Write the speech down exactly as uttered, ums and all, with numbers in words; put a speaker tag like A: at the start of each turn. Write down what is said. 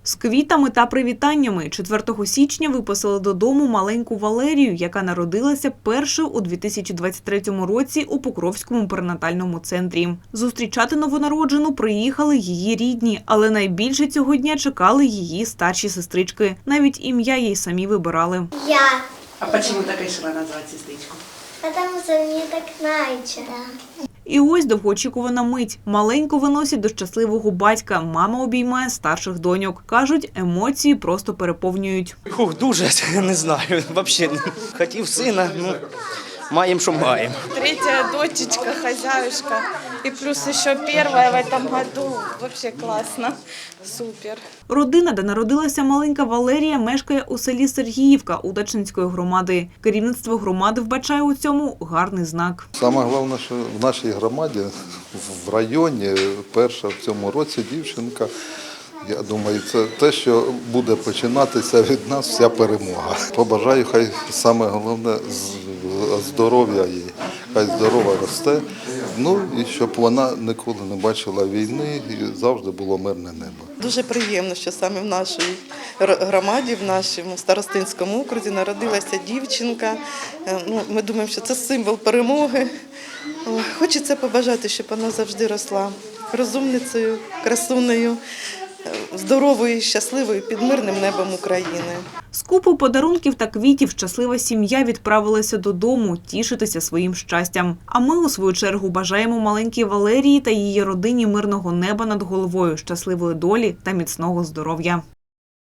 A: З квітами та привітаннями четвертого січня виписали додому маленьку Валерію, яка народилася першою у дві тисячі двадцять третьому році у Покровському перинатальному центрі. Зустрічати новонароджену приїхали її рідні, але найбільше цього дня чекали її старші сестрички. Навіть ім'я їй самі вибирали.
B: Я.
C: А чому так вирішила назвати сестричку?
B: Потому что мне так нравится. Да.
A: І ось довгоочікувана мить. Маленьку виносять до щасливого батька. Мама обіймає старших доньок. Кажуть, емоції просто переповнюють.
D: Ух, дуже, не знаю, взагалі. Хотів сина, ну, маємо, що маємо.
E: Третья дочечка, хозяюшка. И плюс еще первая в этом году. Вообще классно. Супер.
A: Родина, де народилася маленька Валерія, мешкає у селі Сергіївка Удачненської громади. Керівництво громади вбачає у цьому гарний знак.
F: Саме головне, що в нашій громаді, в районі, перша в цьому році дівчинка. Я думаю, це те, що буде починатися від нас вся перемога. Побажаю, хай саме головне здоров'я їй, хай здорова росте. Ну і щоб вона ніколи не бачила війни і завжди було мирне небо.
G: Дуже приємно, що саме в нашій громаді, в нашому старостинському окрузі народилася дівчинка. Ну, ми думаємо, що це символ перемоги. Хочеться побажати, щоб вона завжди росла розумницею, красунею, здоровою, щасливою під мирним небом України.
A: З купою подарунків та квітів щаслива сім'я відправилася додому тішитися своїм щастям. А ми, у свою чергу, бажаємо маленькій Валерії та її родині мирного неба над головою, щасливої долі та міцного здоров'я.